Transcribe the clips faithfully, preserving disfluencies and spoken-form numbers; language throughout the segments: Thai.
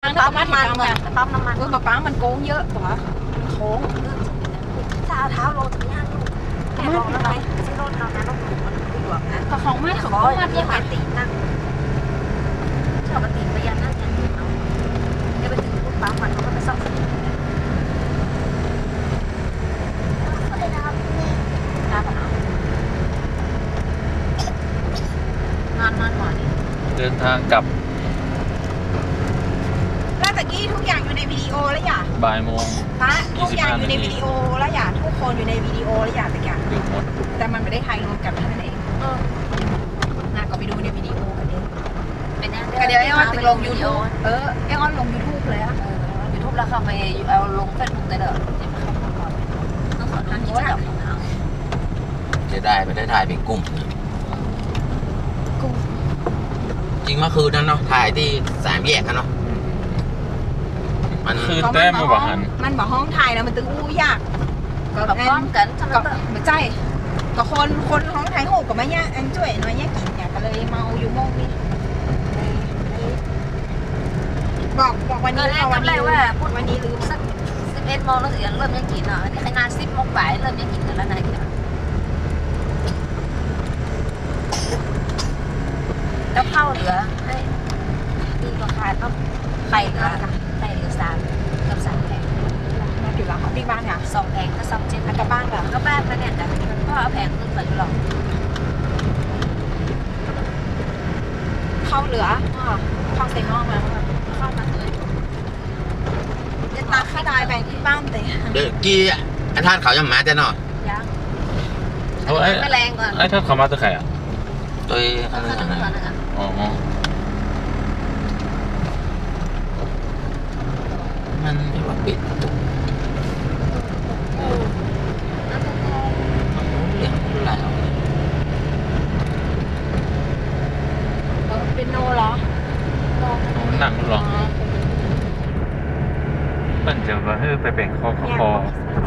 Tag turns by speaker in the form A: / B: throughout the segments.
A: รั้งนั้นปั๊มน้ำมันเหมือนปั๊มน้ำมัน
B: เออป๊าป๊ามันโค้งเยอะกว่ามันโค้ง
A: ถ้าเอาเท้าลงถึงย่างลูกแม่บอกแล้วไงที่รถเรานะรถหนูมันดีกว่านะ
B: แต่ของแม่ของ
A: ก็
B: ก็
A: มั
B: มัน น
A: ยั
B: ยัง ง
A: ไง
B: ไง
A: ตีนั่งชอบปฏิไปยันนั่งยันเอาเนี่ยไปถึงปุ๊บปั๊มมันเขาก็ไปซ่อมน้าปะน้านอนนอนหมอนี่
C: เดินทางกลับ
B: แล้วตะกี้ทุกอย่างอยู่ในวิดีโอแล้วอย่า
C: บ่ายโมง
B: พระทุกอย่างอยู่ใน
C: ยี่สิบห้านาที
B: วิดีโอแล้วอย่าทุกคนอยู่ในวิดีโอแล้วอย่าตะกี้
C: อยู่หมด
B: แต่มันไม่ได้ถ่ายรวมกันเท่านั้นเองน่าก็ไปดูในวิดีโอกันเอง
A: เป็นยัง
B: ก็เดี๋ยวไอ้ออนติดลงยูทูบเออไอ้ออนลงยูทูบเลยอะ
A: ยูทูบแล้วเข้าไปเอาลงเฟซบุ๊กได้เลยเดี๋ยวเข้ามาก่อนต้องขอทานที่จับของเขา
D: จะได้ไปได้ถ่ายเป็นกลุ่มนะจริงเมื่อคืนนั้นเนาะถ่ายที่สามแยกกันเนาะมัน
C: คือแต้มมาบ่หัน
B: มันบอกห้องถ่ายแล้วมันตึงอู้ยาก
A: แบบพร้อมกันทั้ง
B: ก็
A: นั้น
B: ไม่ใช่ก็คนคนห้องถ่ายโหกกับมาเนี่ยอันช่วยน้อยเนี่ยกินเนี่ยก็เลยเมาอยู่โมงนี่บอกบอกวัน
A: ก็
B: นี้
A: แรก
B: วัน
A: จำได้
B: นี้
A: ว่าพูด
B: วันนี้ลืม
A: สักสิบเอ็ดโมงแล้วถึงเริ่มยังกินอ่ะอันนี้ขนาดสิบโมงบ่ายเริ่มยังกินกันแล้วนายกินแล้วข้าวเหลือให้ดีกว่าขายต้องไข่เหลือไข่เหลือสามกับสามแผง
B: มาถึงหลังของที่บ้านค่ะ
A: สองแผงก็สองเจ็ด
B: อันกับบ้านเหรอ
A: ก็บ้านแล้วเนี่ยแต่มันก็เอาแผงขึ้นไปอยู่หรอก
B: เข้าเหลือเข้าใส่หม้อมา
A: เข้ามาเลย
B: จะตาข้าตายไปที่บ้านแต่
D: เดี๋ยวกี้อันท่านเขายังมาจะเนาะ
A: ยัง
C: เอาไอ้
A: ไม่แรงก่อน
C: ไอ้ท่านเขามาตัวใครอ่ะ
D: ตัวอั
A: เอา
D: น
A: ขึ้
D: นั้น
A: น
D: อัน
A: ก่อน
D: นั้น
A: นะ
C: อ๋อ
D: มันไม่ว่าปิดประตูเรื่องอะไรเอา
B: เป็นโนเหรอ
C: หนังหรอเปิ้นจะว่าเฮ้ยไปแบ่งคอคอคอ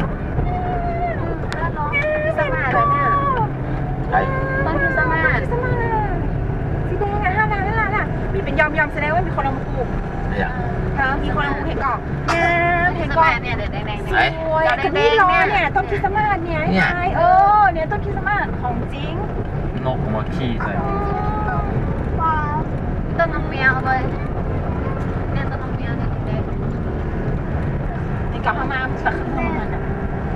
A: สมาแล้วเนี่ย
D: ใช่
A: ต้นคือสมา
B: สมาสีแดงอ่ะห้าล้านห้าล้านอ่ะมีเป็นยอมยอมแสดงว่ามีคนเอามาปลูก
D: ไม่อยาก
B: ฮะมีคนเอามาเห็นก่อนงามเห็น
A: ส
B: ก่อ
A: มาน เนี่ยเด็ดแดงๆ
B: สวยกับนี่ล้อเนี่ยต้นคริสต์มาสเนี่ยไอ้เออเนี่ยต้นคริสต์มาสของจริง
C: นกมาขี้ใส่
A: ต้นน้ำเมียวเลยเนี่ยต้นน้ำเมียวเนี่ยแดง
B: ในกับพม่าสักข้างมันอ่ะ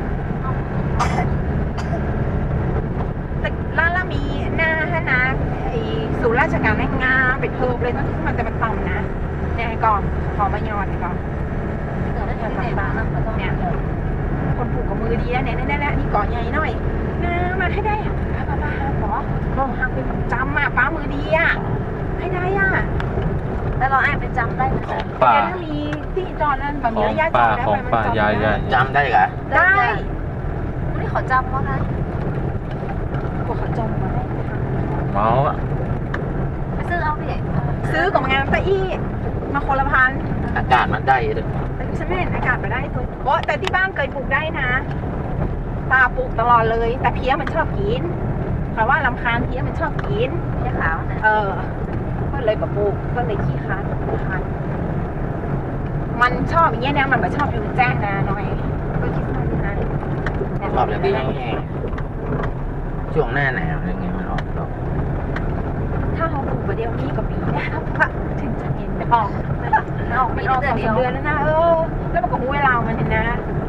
B: แต่ล่าล่ามีหน้าฮะนะไอ้ศูนย์ราชการแม่งามเป็นเพิร์ฟเลยต้นคริสต์มาสแต่มันต่ำนะเนี่ยก่อนขอมายอดก่อน
A: เกิดอะไรขึ้นในบ้านเราก็ต้องเนี่ย
B: คนผูกกับมือดีแล้วเนี่ยนี่นี่นี่ก่อนใหญ่หน่อยนะมาให้ได้อะป้าป้าป้าขอมองหักเป็นจำอ่ะป้ามือดีอ่ะให้ได้อ่ะ
A: แล้วเราแอบไปจำได้ไหม
C: ของป่า
B: ถ้ามีที่จอดนั้นแบบ
C: ข
B: มี
C: อง
B: ระยะจ
C: ป่า
B: อดแล้ว
C: ของป่ายายยาย
D: จำได้เหรอ
B: ได้
A: ไม่ขอจำว่าไง
B: พวกเขาจมมาได้
C: เมาอ่ะ
A: ไปซื้อเอาดิ
B: ซื้อกับงานตะอี้มาคนละพัน
D: อากาศมันได้เลย
B: แต่ฉันไม่เห็นอากาศไปได้ตัวโอ้แต่ที่บ้านเคยปลูกได้นะตาปลูกตลอดเลย แต่เพี้ยมันชอบกินเพราะว่าลำคาญเพี้ยมันชอบกิน
A: แค่ขาวนะ
B: เออ ก็เลยแบบปลูกก็เลยขี้ค้านค้านมันชอบอย่างเงี้ยนะมันไม่ชอบอยู่แจ้งนะหน่อยก็คิดว่าอย่างนั้น
D: ชอบอย่างนี้แห้งๆช่วงหน้าหนาวยังไงมันออกดอก
B: ถ้าเขาปลูกประเดี๋ยวนี้ก็ปีนะครับพระถึงจะเห็นออกออกไม่ออกสองสามเดือนแล้วนะเออ แล้วมันก็หูเวลามันเห็นนะ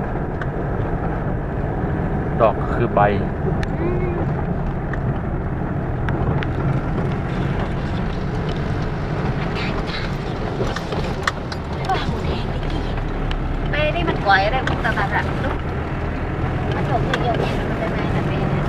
C: ดอกคือใบ
B: อืม
A: เป้นี่มันก๋วยอะไรพวกตลาดอะลูกมันจบที่เดียวเนี่ยมันเป็นไงนะเป้เนี่ย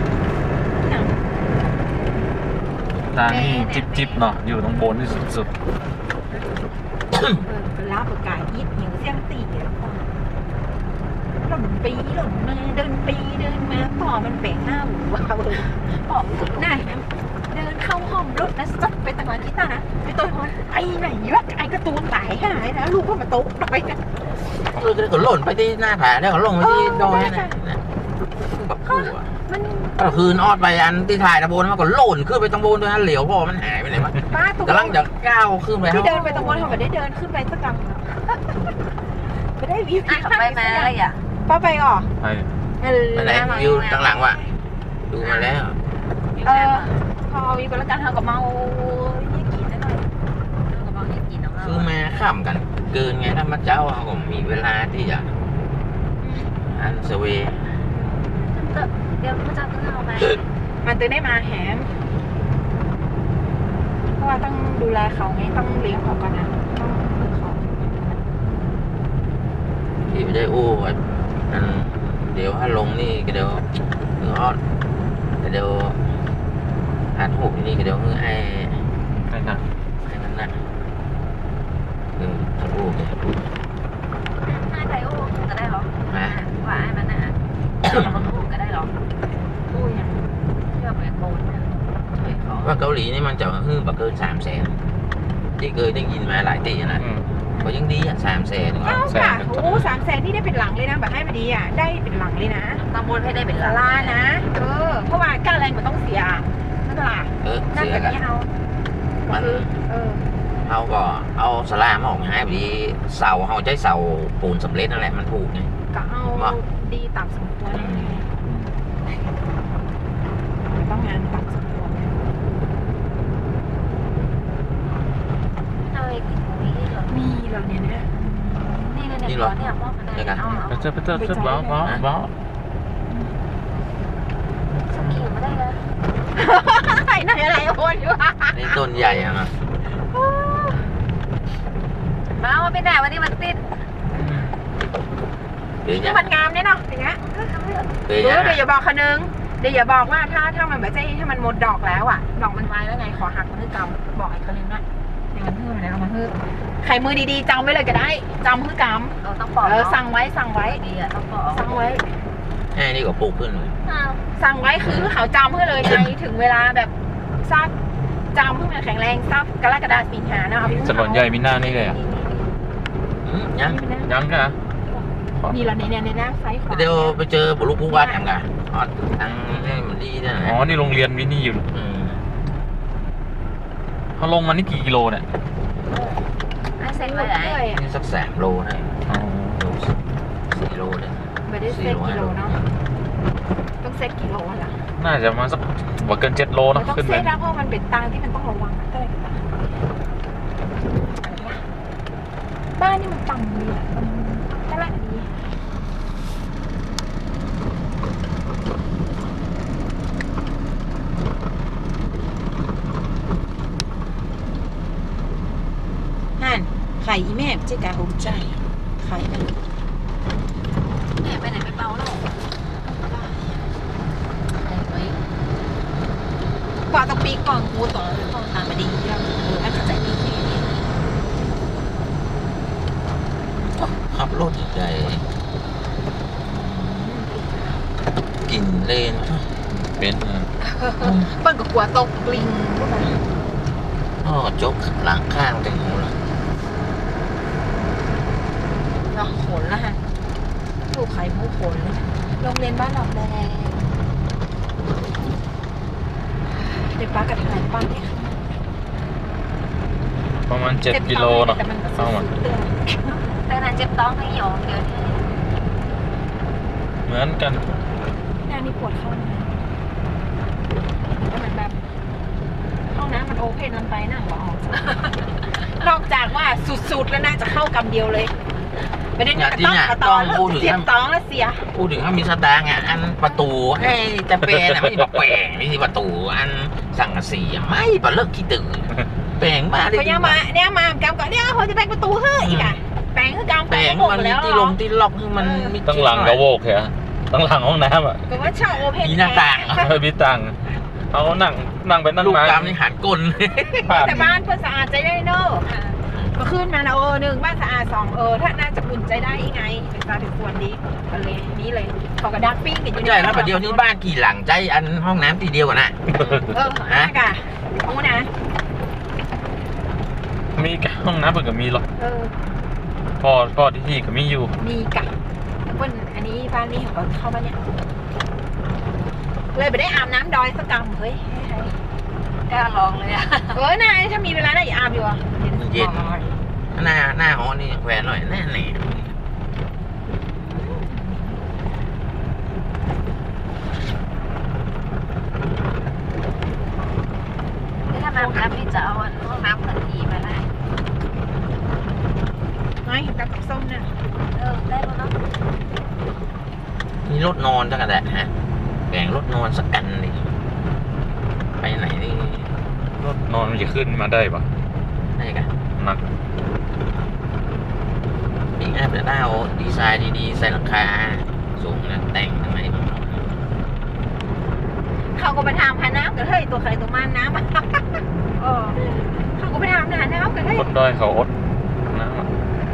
C: ร้านนี้จิบจิบเนาะอยู่ตรงบนที่สุด
B: เออเป็นลาบประกาศยิบหิวเสียงตีอ่ะหล่นปีหล่นมาเดินปีเดินมาต่อมันแปลงหน้าหมูว้าวเลยต่อมันสุดหน้าเดินเข้าห้องรถนะซัดไปตะวันที่ตานะไปตัวมันไอ้ไหนวะไอ้กระตูนตายหายนะลูกก็มาตกไปนะ
D: เราจะก็หล่นไปที่หน้าผาแล้วก็ลงไปที่ดอยนะแบบกลัว
B: มัน
D: ก็คืนออดไปอันที่ถ่ายตะโบนมันก็โหล่นขึ้นไปตรงโบนด้วยฮะเหลียวพ่อมันหายไปไหนวะ
B: ป้าตก
D: กำลังจะก้าวขึ้นไป
B: ที่เดินไปตรงบนเขาไม่ได้เดินขึ้นไปสักกำไม่ได้วิว
A: อ่ะขับไปมาอะไรอ่ะ
B: ป้าไปก่อ
C: ไป
D: ไปไหนวิวตั้งหลังว่ะดูมาแล้ว
B: เออพอวิวกันแล้วกันเท่ากับเมายี่กี่นิดหน่อย
A: กระบอกนี่กินน้ำ
D: คือมาข้ามกัน เกินไงถ้ามาเจ้าเขาก็มีเวลาที่จะอันสเวย์
A: เดี๋ยวพระเจ้าต้องเอาไป
B: มันตื่นได้มาแหมเพราะว่าต้องดูแลเขาไงต้องเลี้ยงเขาก่อนนะต้องฝึกเขา
D: ที่ไม่ได้อู้ไว้อันเดี๋ยวถ้าลงนี่ก็เดี๋ยวเออออดก็เดี๋ยวอัดหูนี่ก็เดี๋ยวคือไอ้
C: ได้นะ
D: ไอ้นั่นน่ะเออถ้าอู้เนี่ย
A: ให้ใครโอ้ก็ได้หรอ
D: มา
A: ว่าให้มันนะมันโอ้ก็ได้หรอ
B: อุ้ยอย่าง
A: เชื่อแบบโกนช่วยเขา
D: ว่าเกาหลีนี่มันจะฮื้อบักเกินสามแสนที่เคยได้ยินมาหลายตีนะ
C: อืม
D: ก็ยังดีอ่ะสามแสน
B: เอ้าค่ะโอ้สามแสนนี่ได้เป็นหลังเลยนะแบบให้มาดีอ่ะได้เป็นหลังเลยนะ
A: ตำบลให้ได้เป็น
B: สา
A: ล้าน
B: รานะเออเพราะว่าค่าแรงมันต้องเสียนั่นแหละ
D: เออ
B: นั่น
D: เสีย
B: แบบ
D: กัน
B: นี้เอา
D: มัน
B: คือเออ
D: เขาก็เอาสลามออกมาให้พอดีเสาเขาใช้เสาปูนสำเร็จนั่นแหละมันถูกไง
B: ก็เอา
D: ว่า
B: ดีตามสมควรต้องงานตามสมควร
A: เอาไอ้กินตรงนี้เหรอ
B: มีเหราเนี่ยนะ
A: นี่เลยเนี่ยร้อนเนี่ยพ่อมันได้เอา
C: ไปเจอไปเจอขึ้นบ้าบ้าบ้า
A: สกิลไม่ได้เลย
B: ไหนไหนอะไรโอนอยู่
D: นี่ต้นใหญ่อะนะ
A: มาว่าไม่ได้วันนี้มันติด
D: เดี๋ยว
B: นี่
D: จะ
B: มันงามเนี่ยเนาะอย่างเงี้ย
D: เดี๋ยว
B: เดี๋ยว
D: จะ
B: เดี๋ยวอย่าบอกคนนึงเดี๋ยวอย่าบอกว่าถ้าถ้ามันแบบใจถ้ามันหมดดอกแล้วอ่ะดอกมันไว้แล้วไงขอหักมันให้จำบอกไอ้คนนึงนะเดี๋ยวมันฮื้อมันเอามาฮื้อใครมือดีๆจำไว้เลยก็ได้จำฮื้อก
A: เราต้องป
B: ำ
A: อก
B: เออสั่งไว้สั่งไว้
A: ดีอ่ะต้องปอก
B: สั่งไว้
D: แค่นี้ก็ปลูกขึ้นเลย
A: อ้าว
B: สั่งไว้คือเขาจำให้เลยไงถึงเวลาแบบซักจำเพื่อมันแข็งแรงซักกรกฎาคมสิงหาเนาะเอาไป
C: สลอนใหญ่มีหน้านี่เลยอ่ะ
D: อืมยัง
C: ยังกัน
B: นี่เราในในในหน้าไซส์ขวา
D: เดี๋ยวไปเจอบุรุษผู้ว่าแถมกันอ๋อตังนี่มันดีนะ
C: อ๋อ นี่โรงเรียนวินี่อยู่
D: อืม
C: เขาลงมานี่กี่กิโลเนี่ย
A: ให้เซ็
B: เซ็
A: น
B: น
A: ไว้
B: ไว้
A: ไหน
B: เลยอ่ะ
D: นี่สักสามโลนะ
C: อ๋อ
D: สี่โลเลย
B: ไม่ได้เซ็ตกิโลเนาะต้องเซ็ตกิโลล่ะ
C: น่าจะมาสักว่าเกินเจ็ดโล
B: มั
C: เนาะ
B: นต้อง
C: ขึ้น
B: เซ็
C: ไป
B: ตนะเพราะมันเป็นตางที่มันต้องระวังก็เลยบ้านนี่มันต่ำดีอ่ะมันตลาดดีนั่นไข่อีแม่เจ๊กาโฮมใจไข่นั่น
A: แม่ไปไหนไปเบาแล้วไอ้
B: กว่าต้องปีก่อนกูต่อต้องตามมาดีแล้วเออถ้าเข้าใจดีแค่นี้
D: ขับรถใหญ่กินเลน
C: เป็นอ่ะ
B: เปิ้ลก็กลัวตกลิงพวกนั้น
D: อ๋อจกหลังข้างแตงโมละ
B: เนาะขนละฮะลูกไข่มุกขนเลยโรงเรียนบ้านหนองแดงเด็กป้ากระถ่ายป้าเนี่ย
C: ประมาณเจ็ดกิโลเนาะ
B: แต่มันก็
C: เข้ามา
B: สุดๆเตือน
A: แต่นั้นเจ็บต้องให้หยอกเดี๋ยวนี้
C: เหมือนกัน
B: หน้านี่ปวดเข้านะแล้วมันแบบห้องน้ำมันโอเพนมันไปนั่งบ่ออก นอกจากว่าสุดๆแล้วน่าจะเข้ากำเดียวเลยไม่ได้
D: อย่า
B: กระ
D: ที่
B: ต้อง
D: เนี่ย
B: กระต
D: ต้
B: อ
D: อน งพูดถึง
B: เสียบตองแล้วเสีย
D: พูดถึงถ้ามีสตางค์อ่ะอันประตูให้จะเป็นอ่ะไม่ใช่แบบแปลงไม่ใช่ประตูอันสั่งกะสีอ่ะไม่ปะเลิกขี้ตื่นแปลงมาได้
B: เขายังมาเนี่ยมากำก่อนเนี่ยเขาจะแปลงประตูเฮ้ยอีกอ่ะแปลงคือกำ
D: แปลง
B: หมด
D: มันมี
B: แล้ว
D: ที่ลงที่ล็อกคือมันมี
C: ตั้งหลังกระโวกเหรอตั้งหลังห้องน้ำอ่ะ
B: ก็ว่าชอบโอเพน
D: มีหน้าต่าง
C: เฮ้ยพี่ตังเขานั่งนั่งไปนั่ง
D: ลูก
C: มาก
D: ำนี่หันก้น
C: ผ่าน
B: แต่บ้านเพื่อนสะอาดใจได้เนอะก็ขึ้นมานะเออหนึ่งบ้านสะอาดสองเออถ้าน่าจะอุ่นใจได้ยังไงเป็นตาถึงส่วนดีก็เลยนี้เลยเขาก็ดักปิ้งกันอยู่
D: ใช่แล้วประเดี๋ยวนี้บ้านกี่หลังใจอันห้องน้ำทีเดียวกันนะ
B: เออฮะกะห้องนะ
C: มีห้องน้ำเปิดกับมีหรอก
B: เออ
C: พ่อพ่อที่ที่ก็มีอยู่
B: มีกะเปิ้นอันนี้บ้านนี้เขาก็เข้ามาเนี่ยเลยไม่ได้อาบน้ำดอยสักกำเฮ้ย
A: กล้าลองเลยอะ
B: เออนายถ้ามีเวลาได้อย่าอาบอยู่อ่ะ
D: เย็นหน้าหน้าหอนี่แหวนหน่อยแน่แน่
A: นี่ถ้ามาน้ำนี่จะเอาห้องน้ำพันทีมาได้
B: ไม่กับกับส้มน่ะ
A: เออได้แล้วเนาะ
D: มีรถนอนจังกันแหละฮะแบ่งรถนอนสักกันดิไปไหนนี่
C: รถนอนมันจะขึ้นมาได้ปะ
D: ได้กัน
C: หนัก
D: ปีหน้าจะได้เอาดีไซน์ดีๆใส่หลังคาสูงนะแต่งทำไม
B: เขาก็ไปทำหาน้ำกันเฮ้ยตัวใครตัวมันน้ำ
A: เออ
B: เขาก็ไปทำหาน้ำกันเฮ้ย
C: คนด้อยเขาอดน้ำอะ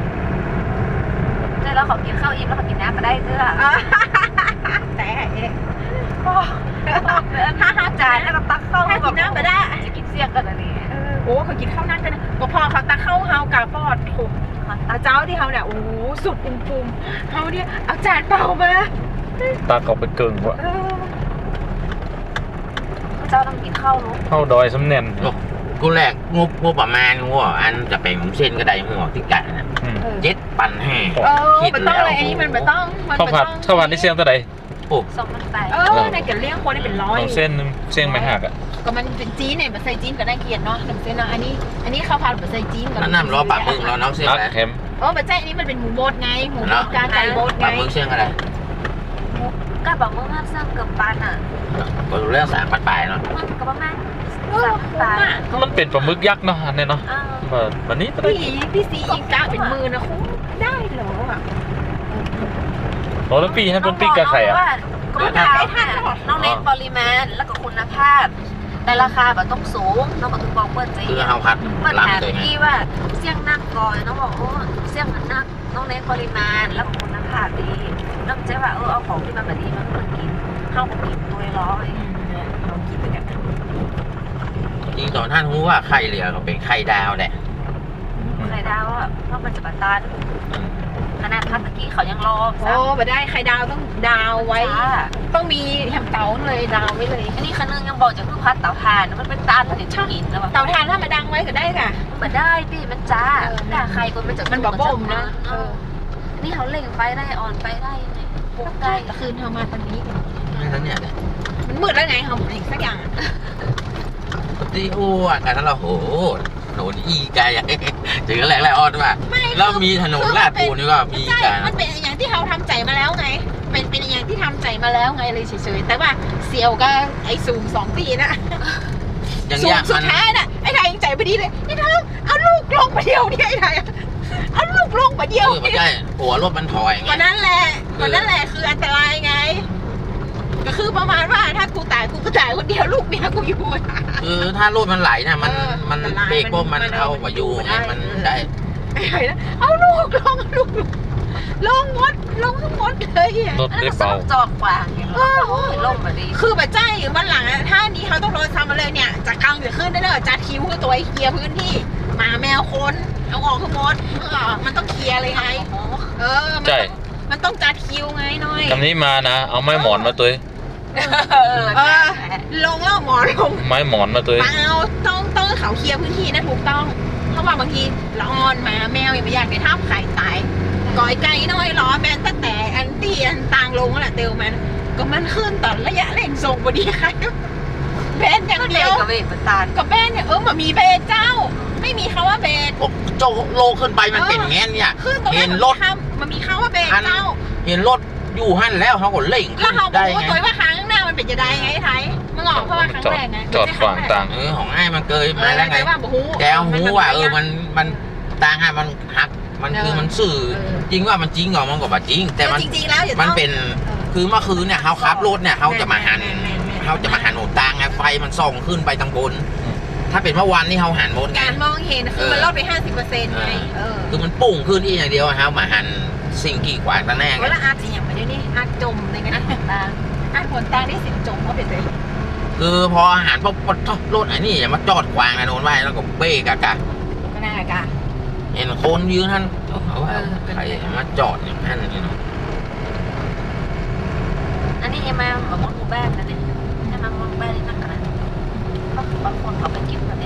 A: ใช่แล้วเขากินข้าวอิ่มแล้วเขากินน้ำมาได้เด้อ
B: แต่เอ๊ะ
A: โอ้ห้าห้าจานแล้วก็ตักเข้า
B: ถ้ากินน้ำมาได้
A: จะกินเสี่ยงกันอันนี้
B: โอ้เขากินข้าวนั่นกันนะก็พอเขาตาเข้าเฮากาปอดถูกอาเจ้าที่เขาเนี่ยโอ้โหสุดปุ่มปุ่มๆเขาเนี่ยเอาจานเปล่ามา
C: ตาเขาไปเกิงว่ะ
B: เออ
A: เจ้าต้องกินข้าวรู้
C: เข้าดอยสำเน็น
D: โอ้กูแรกงบงบประมาณหัวอันจะเป็นเส้นกระไดหัวที่กันนะ
C: อืม
D: เจ็ดปันแห่
B: เออมันต้องอะไรอันนี้มันไม่ต้องมัน
C: ข้าวผัดข้าวผัดนี่เสียงเท่าไหร่
D: โอ้
A: สองมันไต
B: เออในกันเลี้ยงคนนี่เป็นร้อย
C: เอาเส้นหนึงเส้นไม่หักอ่ะ
B: ก็มันเป็นจีนเนี่ยมันใส่จีนก็ได้เกียรติเนาะน้ำเส้นเนาะอันนี้ อันนี้ข้าวผัดแบบใส่จีนกับ
D: นั่นน้ำรอปากมึงรอน้องเส้น
C: นั
D: อะ
C: ก
D: ไร
C: เค็ม
B: เออแบบใจอันนี้มันเป็นหมูบดไงหมูบดกาไก่บดไง
D: ปากมึงเส้นอะไร
A: ก็บอกมึงห้ามเสื่อมกับปันอ่ะ
D: ก็เรื่องสามปันปลายเนาะ
A: มันก็ประมาณ
B: เออ
A: สาม
B: คุ้ม
A: ตา
B: อ่ะ
C: มันเป็นปลาหมึกยักษ์เนาะอันเนี่ยเนาะ
A: อ้าว
C: แบบวันนี้ก็ได้
B: พี่พี่ซีอีกกะเป็นมือนะคุ้มได้เหรออ่ะ
C: โอ้แล้วปีให้เป็นปีกกับไข่อ่ะ
A: ก็ไม่ได้ค่ะน้องเน้นปริมาณแล้วก็คุณภาพ แต่ราคาแบบต้องสูงน้องบอกถึงบอกเปิดใจ
D: คือเฮาคัด
A: เปิด
D: ลำ
A: หา
D: เลยไง
A: ที่ว่าเสี่ยงนักก่อนน้องบอกโอ้เสี่ยงมันนักน้องเน้นปริมาณแล้วก็คุณภาพดีน้องใจว่าเออเอาของที่มันแบบดีมาเปิดกินเข้ามากินตัวร้อย
B: เราคิดไปกัน
D: จริงตอนท่านรู้ว่าไข่เหลือก็เป็นไข่ดาวแหละ
A: ไข่ดาวอ่ะเพราะมันจะบาตานขนาดพักตะกี้เขายังรอ
B: โอ้มาได้ไข่ดาวต้องดาวไว้
A: จ้า
B: ต้องมีแฮมเตาเลยดาวไว้เลย
A: อันนี้คันนึงยังบอกจะคือพัดเตาถ่านมันเป็นตาลผลิตชกินแล้วแบบ
B: เตาถ่านถ้ามาดังไว้ก็ได้ค่ะ
A: มาได้พี่มันจ้า
B: เออ
A: ด่าใครคนมันจะ
B: มันแบบบ่มนะ
A: เออนี่เขาเล่งไฟได้อ่อนไฟได้ยังไงพวก
B: ได้
A: ได้
B: แต่คืนเธอมาตอนนี้
D: ไม่ทั้งเนี่ยเนี่ย
B: มันมืดแล้วไงเขาอีกสักอย่าง
D: ปฏิโอ้อ่ะกันนั้นเราโหถนนอีไกลอ่ะถึงแหลกแหลกออดว่าแล้วมีถนนลาดปูนี่ก็มี
B: ใช่
D: กัน
B: มันเป็นอย่างที่เขาทำใจมาแล้วไง เป็นเป็นอย่างที่ทำใจมาแล้วไงเลยเฉยๆ แต่ว่าเสียวก็ไอ้สูงสองปีนะ
D: อย่าง
B: สู
D: เงี้
B: ง
D: ย
B: สุ
D: มั
B: ด
D: น
B: ท้ายน่ะ ไอ้ไทยยังใจไม่ดีเลยไอ้เธอเอาลูกลงมาเดียวเนี่ยไอ้ไทยเอาลูกลงมาเดี
D: เอ
B: ยว
D: อไม่ใช่หัวรถมันถอยไง
B: วันนั้นแหละวันนั้นแหละคืออันตรายไง ก็คือประมาณว่าถ้ากูตายกูก็ตายคนเดียวลูกเมียกูอยู่
D: คือถ้ารถมันไหลนะมัน
B: เออ
D: มัน
B: มันไหล
D: เบรกปุ๊บมัน
B: มัน
D: เอา
B: เอา
D: ไปอยู่
B: มัน
D: ไง
B: ได้
D: มันได้
B: ไอ้ไทยนะเอาลูกลงเอาลูกลงลงหมดลงทั้งหมดเลยอะ
C: รถได้เบา
A: จอดกว่าอย่างเงี้ยโอ้ยล่มมาดี
B: คือแบบใจวันหลังอะถ้านี้เขาต้องโดนซ้ำมาเลยเนี่ยจากกลางจะขึ้นได้เลยจัดคิวคือตัวไอ้เคลียร์พื้นที่หมาแมวคนเอาออกคือหมดเออมันต้องเคลียร์เลยไง เออมัน
C: ใช่
B: ต้องมันต้องจัดคิวไงหน่อย
C: คำนี้มานะ เอาไม้หมอนมาตัว
A: เออ
B: เออลงแล้วหมอลง
C: ไม้หมอนมาตัว
B: เปล่าต้องต้องให้เขาเคลียร์พื้นที่นะถูกต้องเพราะว่าบางทีละออนหมาแมวอย่างไม่อยากในท่าไข่ตายก่อยไก่น้อยล้อแบนตั้งแต่อันตี้อันต่างลงนั่นแหละเตียวมันก็มันขึ้นตอนระยะเร่งส่งพอดีใครแบนอย่าง
A: ก็
B: เดี
A: เดี
B: ย
A: ยว วกับเวทประตาน
B: กับแบนเนี่ยเออมันมีเบนเจ้า ไม่มีคำว่าเบน
D: โอ้โจโลขึ้นไปมันเป็นแง่เนี่ย
B: ขึ้นตรง
D: เห็
B: นั้น
D: นรถ
B: มันมีคำว่าเบนเจ้า
D: เห็นรถอยู่หั่นแล้วเขาก็เล่ง
B: แล้วเขาบ
D: ได้
B: อกว่า
D: ไง
B: ตัวว่าครั้งหน้ามันเป็นจะได้ไงไอ้ไทยมันออกเพราะว่าครั้ง
C: จอด
B: แรกไง
C: จอดขวางต่าง
D: เออของไอ้มันเกย
B: เอ
D: มา
B: อ
D: แล้วไง
B: แต่ว่าบอกหู
D: แกเอาหูว่าเออมันมันต่างอ่ะมันหักมันคือมันสื่อ จริงว่ามันจริงเหรอมันก็บ่จริง แต่
B: แต่
D: มัน
B: จริงๆแล้วอย่า
D: มัน
B: ต้อง
D: เป็นคือเมื่อคืนเนี่ยเขาขับรถเนี่ยเขาจะมาหันเขาจะมาหันหนทางไงไฟมันส่องขึ้นไปทางบน ถ้าเป็นเมื่อวานนี่เขาหันหมดไง
B: การมองเห็นคือมันลดไปห้าสิบเปอร์เซ็นต์ไงเออ
D: คือมันปุ่งขึ้นอีกอย่างเดียวเขามาหันสิ่งกีดขวางตาแน่ไง
B: เวลาอาจจะอย่างไปด้วยนี่อาจจมเลยนะ
A: ตา
B: อาจผลตาได้สินจมเขาเป็นเลย
D: คือพอหันปุ๊บรถไอ้นี่อย่ามาจอดขวางนะโดนไว้แล้วก็เบรกอะกะ
B: ก็น่าละกะ
D: เห็นคนยืนท่านเขาว่าใครมาจอดอย่างนั้นนี่เนาะ
A: อันนี้ยังมาแบบมดหมู่บ้านนะเนี่ยนั่งรถไม่ได้นั่งขนาดนั้นก็คือบางคนเขาไปกินกันเอง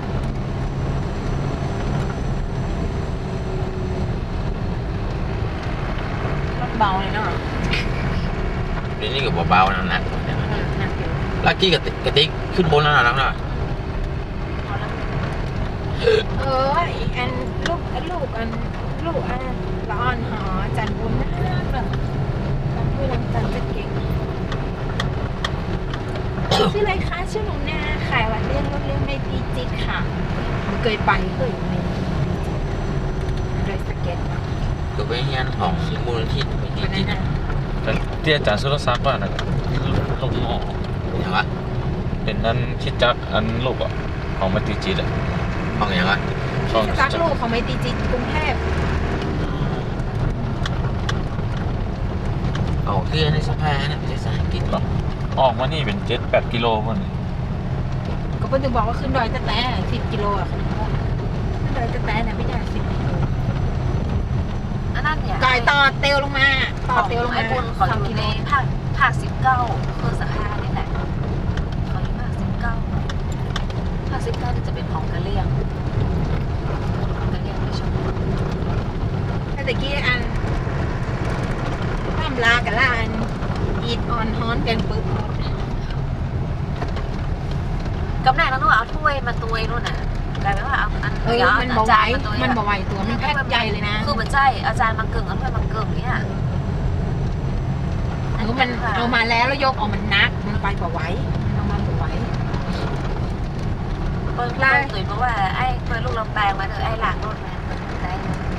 B: รถเบาเลยเนาะ
D: เดี๋ยวนี้ก็เบาๆนะหนักกว่าเนี่ย
B: เออหนักอยู่
D: ลักกี้กับกระติกขึ้นบนแล้วนะแล้วนะ
A: พอแล้ว
B: เออไอ้อันลูกอันลูกอันลูกอันละอ่อนหอจันบุญนะแบบจันบุญจันจะเก่งชื่ออะไรคะชื่อหนูนาขายวัดเลี้ยงรถเลี้ยงในปีจิตค่ะเคยไปเคยอยู่ในโดยสเก็ต
D: ก็ไปงานของมูลนิธิไม่
B: วัน
D: ดี
B: นั้น
C: แต่ที่อาจารย์สุรศักดิ์ว่านะลงออก
D: อย่างวะ
C: เป็นนั้นคิดจักอันลูกอ่ะของมาติจิตอ่ะ
D: ของอย่างวะ
C: ช่อง
B: ที่ซักลูกของไมตรีจิตกรุงเทพ
D: เอาคือในสภาเนี่ยไม่ใช่สายกินหรอก
C: ออกมานี่เป็นเจ็ดแปดกิโลมัน
B: ก็เพิ่งจะบอกว่าขึ้นดอยตะแตะสิบกิโลอ่ะขึ้นดอยตะแตะเนี่ยไม่ใช่สิบกิโล
A: อันนั้นเนี่ย
B: ก่อยต่อเตียวลงมาต่อ
A: ของ
B: เตียวลง
A: ไอ้
B: มา
A: บุญเขาอ
B: สอง
A: ยู่
B: กิโล
A: ในภาคภาคสิบเก้าคือสภานี่แหละเขาอยู่ภาคสิบเก้าภาคสิบเก้าจะเป็นของกะเลี่ยงกะเลี่ยงไม่ชอบ
B: แต่ตะกี้อันข้ามลากับลาอันอีดออนฮอนกันปึ๊บหมด
A: กำแหน่งแล้วนู่นเอาถ้วยมาตุยนู่นน่ะกลายเป็นว่าเอาอัน
B: เออ
A: เดี๋ยวเอา
B: มัน
A: อา
B: บ่ไหว
A: จารย์มาตุย
B: มัน
A: อะ
B: บ่ไหวตัวมันแพ็คใหญ่เลยนะ
A: คือมันใช่อาจารย์มาเกิงเอาถ้วยมาเกิงเนี่ย
B: เออมันเอามาแล้วแล้วยกออกมันนักมันไปบ่ไหวเอามาบ่ไหว
A: เปิ้ลเปิ้ลตุยเพราะว่าไอ้เปิ้ลลูกลำแปลงมาเถอะไอ้หลากรถมาได้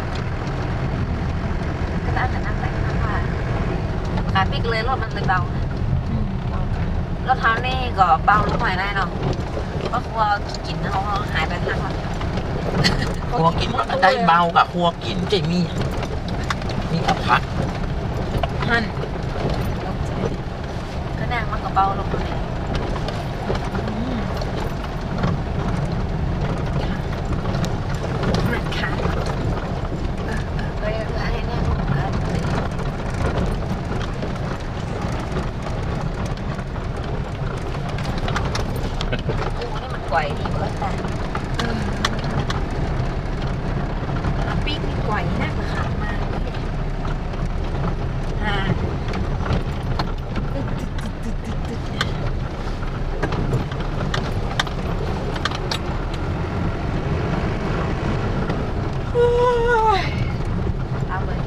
A: ก็ตั้งแต่นั่งแต่นั่งว่าขาปิกเลยรถมันเลยเบานะ
B: อืมเอาไป
A: รถเท้านี่ก็เบาลงหน่อยได้เนาะก็กลัวกินเขาหายไปทางวัน
D: คั่วกินมันได้เบากับคั่วกินใจมีมีกับพัก
B: หั่น
A: ก็นั่งมันก็เบาลงหน่อย
B: อืมค่ะค่ะ
A: เออไอ้เนี่ยลูกเออกูนี่มันไกวดีเบิร์ดแต่
B: เอออ่ะปีกนี่ไหวนะกว่าขามาอ่าตึ๊ดตึ๊ดตึ๊ดตึ๊ดตึ๊ดโอ้ย
A: เอาเลย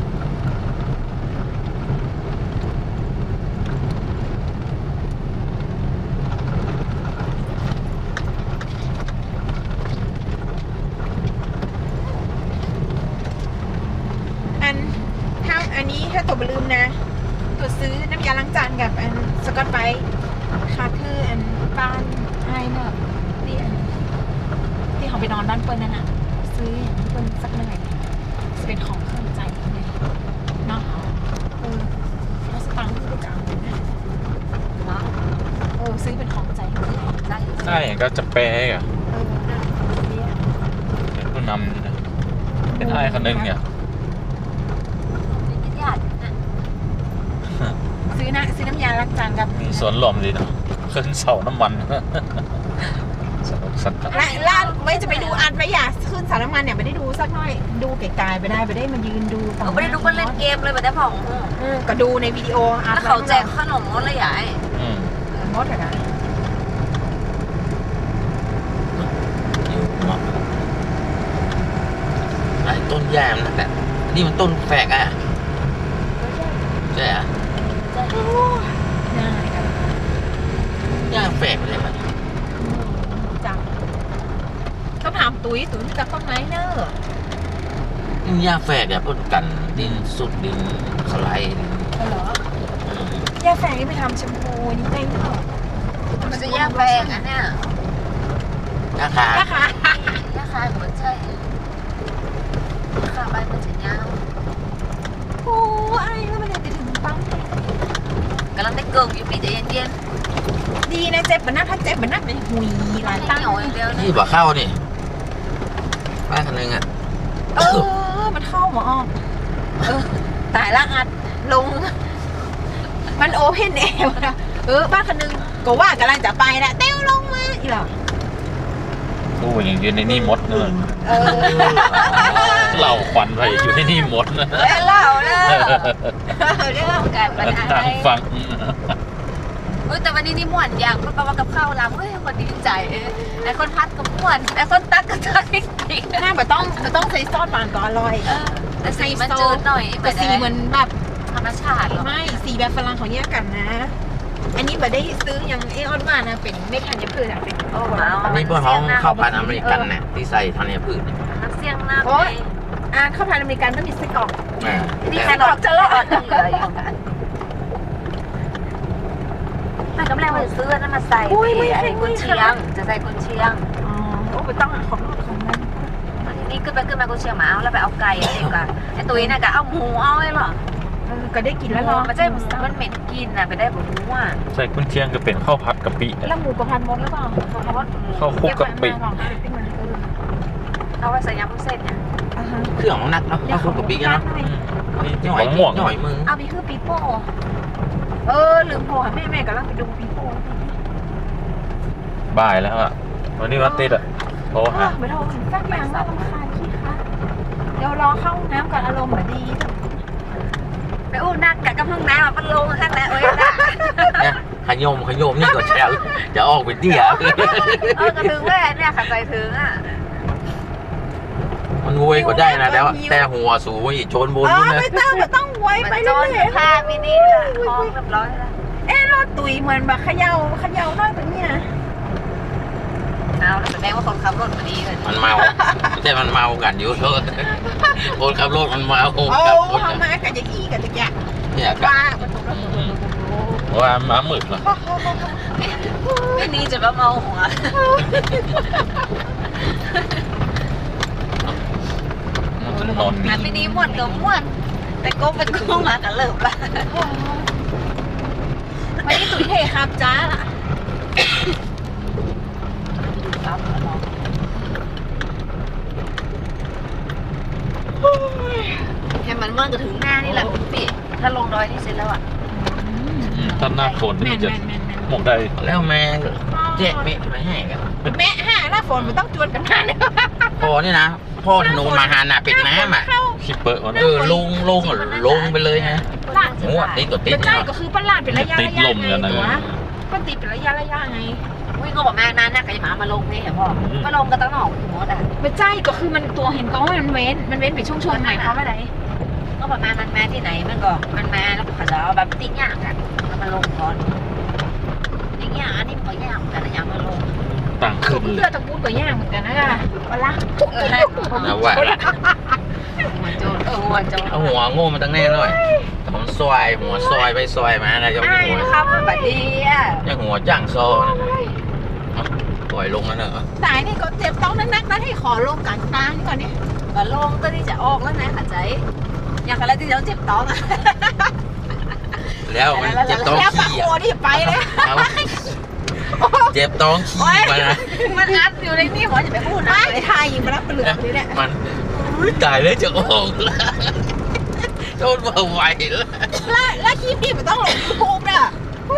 B: อันถ้าอันนี้ถ้าตัวบลืมนะ ตัวซื้อน้ำยาล้างจานกับอันสกอตไบรท์ค่ะคืออันบ้านไอ้เนอะที่อันที่เขาไปนอนบ้านเปิ้ลนั่นน่ะ ซื้ออย่างนี้เปิ้ลสักหน่อยจะเป็นของเครื่องใจเลยเนาะเออแล้วสตังค์ที่ไปจ่ายนะ
A: เนาะ
B: เออซื้อเป็นของใจเลย
A: ได้อยู่
C: ใช่ก็จะแปลอ่ะ
B: เออน่ะเนี่ย
C: เป็นผู้นำนี่นะเป็นไอ้คนนึงเนี่ย
A: เป็นญาตินะ
B: ซื้อนะซื้อน้ำยาล้างจานกับ
C: มีสวนหลอมดีเนาะขึ้นเสาน้ำมัน สนุกสนาน
B: และล่าไม่จะไปดูอันไปอยากขึ้นสารน้ำมันเนี่ยไม่ได้ดูสักหน่อยดูไกลๆไปได้ไปได้มายืนดู
A: เขาไม่ได้ดูคนเล่นเกมเลยแบบได้ผ่อง
B: เออก็ดูในวิดีโออั
A: แล้วเขาแจกขนมอะไรใหญ่
C: อืม
B: มดอะนะ
D: อยู่เหมาะไอ้ต้นยามนั่นแหละนี่มันต้นแฝกอ่ะใช่อ่ะ
B: ง่ายกัน
D: ย่างแฝกเลยมัน
B: จังต้องถามตุ้ยตุ้ยจับต้นไม้เนอะ
D: ย่างแฝกเนี่ยพ่นกันดินสุดดินสไลด์
B: เออเหรอ
D: อืม
B: ย่าแฝงนี่ไปทำแชมพูนี่ได้เนอะ
A: มันจะแยกแปลงอันเนี้ย
D: ราคา
B: นะคะ
A: ราคาเหมือนใช่ราคาใบมันจะยาว
B: โอ้ไอ้แล้วมันจะถึงปั๊ม
A: กำลังได้เกิงอยู่ปีใจเย็น
B: ดีนะเจ็บมันน่าถ้าเจ็บมันน่าเป็นหุย
A: ๆ
B: หลาย
A: ตั้
B: ตั้
A: ง
B: ง
A: เหนียวอย่างเดียวนะ
D: ที่บ่เข้านี่บ้านคนนึงอ่ะ
B: เออมันเข้าหมอออกเออตายละอัดลง มันโอเพนแอร์นะเออบ้านคนนึงก็ว่ากำลังจะไปแหละเต้วลงมาอีหรอ
C: โอ้ยอย่างยืนในนี่มดเนอะ
B: เออ
C: เหล่าควันไปอยู่ในนี่มดนะ
A: เอ้ยเล่าเด้อเรื่องการปัญหา
C: ตามฟัง
A: เฮ้ยแต่วันนี้นี่ม่วนอย่างเพราะว่ากับข้าวลำเฮ้ยคนดีใจเอ้ยไอ้คนพัดก็ม่วนไอ้คนตักก็ตักจริงๆ
B: หน้าแบบต้องต้องใส่ซอสหวานก็อร่อย
A: เออแต่สีมันจืดหน่อย
B: แต่สีเหมือนแบบ
A: ธรรมชาติหรอ
B: ไม่สีแบบฝรั่งของแยกกันนะ อันนี้แบบได้ซื้อยังเอออนว่านะเป็นเม็ดธัญพืชอะเป็น
A: โอ้ว้าว
D: อันนี้พวกเขาข้าวผัดอเมริกันเนี่ยที่ใส่ธัญพืชเนี่ย
A: น้ำเสียงหน้า
B: โอ๊ย อ่าข้าวผัดอเมริกันต้องมีไส้กรอก
D: อ่า
A: นี่
D: แต่
A: แค่ดอกจะรอดยังเหลืออยู่แต่กำลังมาซื้อนั่นมาใส่ไอ้กุนเชียงจะใส่กุนเชียง
B: อ๋อโอ้ไปต้องอ่ะของของมัน
A: ทีนี้ขึ้นไปขึ้นมากุนเชียงมาเอาแล้วไปเอาไก่อะไรกันไอ้ตุ้ยน่ะก็เอาหมูเอาไอ้หรอ
B: เออก็ได้กินแล้ว
A: หมู
B: เนาะ
A: มันจะมันเหม็นกินน่ะไปได้ผมรู้ว่า
C: ใส่กุนเชียงก็เป็นข้าวผัดกะปิ
B: แล้วหมูกระพันมดหรือเปล่า
A: เขาว่า
C: ข้าวคลุกกะปิ
A: เอาไว้ใส่ยำพุ้นเส้นเนี่ย
B: อ่าฮะ
D: เครื่องของนักเนาะข้าวคลุกกะปิกันเนาะ
C: นี่
D: หน่อย
C: มะม่วง
D: หน่อยมือ
A: เอาไปคือปีโป้
B: เออลืมโทรหาแม่แม่กำลังไปดูปีโป้
C: บ่ายแล้วอะวันนี้วันติดอะโทร
B: เอ
C: หา
B: อไปโทรถึงสักอย่างน่ารำคาญขี้ค่ะเดี๋ยวรอเข้าห้องน้ำก่อนอารมณ์เหมือนดี
A: ไปอู้นักกะกำลังน้ำมันลงข้างในเอ้ยนะ
D: เนี่ยขยมขยมนี่ก็แชร์จะออกไปเตี้ย
A: เออกระถึงแม่เนี่ยขัดใจถึงอ่ะ
D: มันงวยก็ได้นะแต่ว่าแต่หัวสูงอีกโจนบน
B: เอ
D: นู่
B: อน
D: นะ
B: ไม่ต้องไม่ต้องไว้
A: มัน
B: ไป
A: โจ
B: เรื่
A: น
B: อย
A: ผ้ามินิละคล้องเรียบร้อยแล้ว
B: ๆเอ๊ะรถตุยเหมือนแบบเขย่าเขย่าน้อยตรงนี้นะ
A: เอาแล้วแสดงว่าคนขับรถมาดีเลย
D: มันเมาไม่ใช่มันเมากันอยู่เถอะคนขับรถมันเมา
B: โอ้
D: กับคน
B: เขามากันจะอี้กันจะแยก
D: เนี่ยกั
B: ว่าประตูประตู
C: ว่าม้าหมึกเหรอ
A: ไม่นี่จะมาเมาหัว
C: มันจะนอน
A: อันไม่นี้ม่วนกับม่วนแต่ก้มเป็นก้มมากันเลิกละ
B: วันนี้ตุ๋ยเทครับจ้าล่ะ
A: ให้มันม่วนก็ถึงหน้านี่แหละคุณพี่ถ้าลงดอยนี่เสร็จแล้วอ่ะ
C: ถ้าหน้าฝน
B: แม่
C: นี่
B: น
C: จะ
B: แม่นแม่นแม่น
C: หมกได้
D: แล้วแม่เจ๊ไม่ไม่ให้กัน
B: แม่ห้าหน้าฝนมันต้องจวนกันหน้าเนี่ย
D: พ่อนี่นะพ่อธนูมาหาหนาเป็ดน้ำอ่ะ
B: เข้า
C: คิปเปอร์มัน
D: เออลงลงลงไปเลยไงหัวติดตัวติด
B: เป็นใช่ก็คือประหลาดเป็นระยะ
C: ติด
B: ระยะ
C: ลมกันนะ
B: ไงวะก็ติดเป็นระยะระยะไง
A: วิ่งก็บอกแม่นานนะใครจะมามาลงนี่เห็นพ่อมาลงกันตั้งหนอกหัวด่ะ
B: เป็นใช่ก็คือมันตัวเห็นก็ว่ามันเว้นมันเว้นเป็นช่วงๆหมายความว่าอะไร
A: ก็บอกมามันมาที่ไหนมันก็มันมาแล้วเขาจะเอาแบบติ๊กยากกันแล้วมาลงก่อนติ๊กยากอันนี้มันก็ยากแต่ละอย่างมาลง
C: ต่างขึ้น
B: เสื้อตะกูดก็ย่างเหมือนกันนะเวลา
A: เออให้
D: นะว่า
A: หัวโจนเออหัวโจน
D: เอาหัวโง่มาตั้งแน่เลยผมซอยหัวซอยไปซอยมานะจะ
A: ไอ้
D: หัว
A: ครับมันแบบดีอ่ะ
D: ยังหัวจ้างซอปล่อยลงแล้วเนอะ
B: สายนี่ก็เจ็บต้องนักๆนะให้ขอลงกลางกลางก่อนนี่
A: ก็ลงตัวที่จะออกแล้วนะขัดใจอย่างอะไรที่เราเจ็บท้องอ่ะ
D: แล้วมันเจ็บท้อง
B: แล้วปาก
D: ขี้
B: โคนี่ไปเลย
D: เอาเจ็บท้องขี้มานะ
A: มันอัดอยู่ในนี่หัวจะไปพูดนะ
B: ไม่ทายยิงมาแล้วเปลือกเลยเนี่ย
D: มันอุ๊ยตายแล้วจะออกแล้วโดนมาไหวแล้ว
B: แล้วแล้วคลิปนี้มันต้องลงยูทูบน่ะ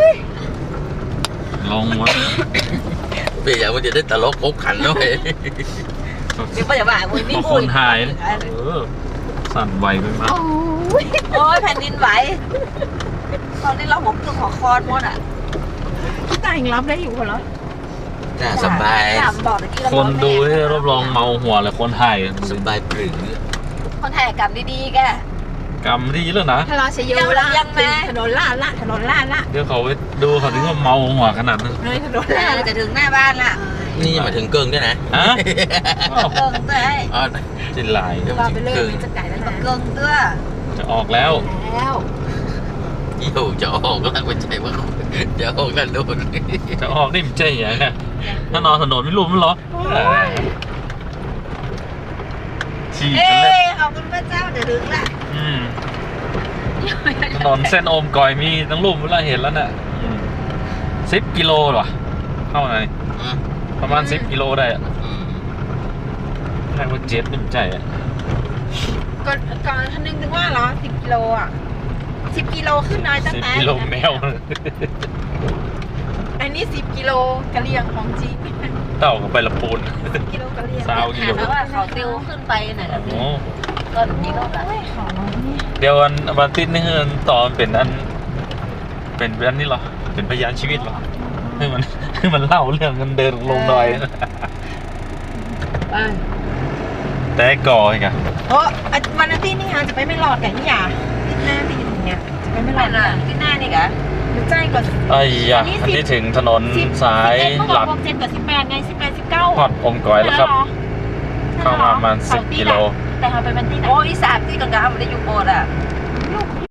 C: ลงวะ
D: เปียมันจะได้ตลกครบขันด้วย
A: เดี๋ยวป้าจะบ่ายวันนี้
C: บางคนหายเออสั่นไหวไปมาก
B: โอ้ย
A: โอ้ยแผ่นดินไหวตอนนี้เราผมต้องขอคอนหมดอ่ะ
B: พี่ตายยังรับได้อยู่เหรอ
D: น่าสบาย
A: ถามบอกตะกี้เรา
C: คนดูให้รับรองเมาหัวเลยคนไทย
D: สบายปรือ
A: คนถ่ายกรรมดีๆแก
C: กรรมดีแล้วนะ
B: ถ้าเราเชยโยละถนนลาดละถนนลาดละ
C: เดี๋ยวเขาไปดูเขาถึงว่าเมาหัวขนาดนั้น
B: เลยถนน
A: เอ
B: ลาด
A: อจะถึงหน้าบ้านละ
D: นี่ยังมาถึงเกิงด้วยนะ
C: ฮะ
A: เกิงตัวไอ้
D: อ๋อ
C: จินลาย
B: ว่าไปเลยมันจะไก่แล้วนะ
A: เกิงตัว
C: จะออกแล้ว
B: แล้ว
D: เยี่ยวจะออกแล้วไม่ใช่ว่าจะออกนั่นโดน
C: จะออกนี่มันใจอย่างเงี้ยถ้านอนถนนไม่รู้มันหรอฉีก
A: เอ้
C: กันเลย
A: ขอบคุณพระเจ้าเดี๋ยวถึงละ
C: อืมถนนเส้นโอมก่อยมีทั้งรูปเวลาเห็นแล้วน่ะสิบกิโลหรอเข้าไหนประมาณสิบกิโลได้อะแค่ว่าเจ็ดเป็นใจอะ
B: ก่อนก่อนท่านนึงนึกว่าเหรอสิบกิโลอ่ะสิบกิโลขึ้นน้อยตั้ง
C: สิบ
B: แต่
C: กิโลแมว
B: อันนี้นี่สิบกิโลกะเหรี่ยงของจริง
C: เต่ากับไปละปูน
B: กิโลกะเหรี่ยง
C: ซาวกิโล
A: เพราะว่าเขาติวขึ้นไปน่ะ
C: โอ้
A: ก็นี่ก็แบบ
B: โอ้ยขอน้องนี่
C: เดี๋ยววันวันติดนี่คือตอนเป็นอัน เป็นอันนี้เหรอ เป็นพยานชีวิตเหรอคือมันคือมันเล่าเรื่องกันเดินลงดอย
A: ไป
C: แต่ก่ออีกอะ
B: โอ้วันอาทิตย์นี่ฮะจะไปไม่รอดกันนี่อย่าที่หน้าตีถึงเนี่ยจะไปไม่ร
A: ไม่
B: อด
A: น่ะที่หน้านี่กะ
B: มันใจก่อน
C: ไอ้ยะอันนี้ถึงถนนสายหลัก
B: เจ็ดกับสิบแปดไงสิบแปดสิบเก้า
C: พอดอมก่อยแล้วครับ เข้ามาประมาณสิบกิโล
B: แต่เขาไปบันที่ไหน
A: โอ้ยสามที่กลางๆมันได้อยู่โบสถ์อ่ะ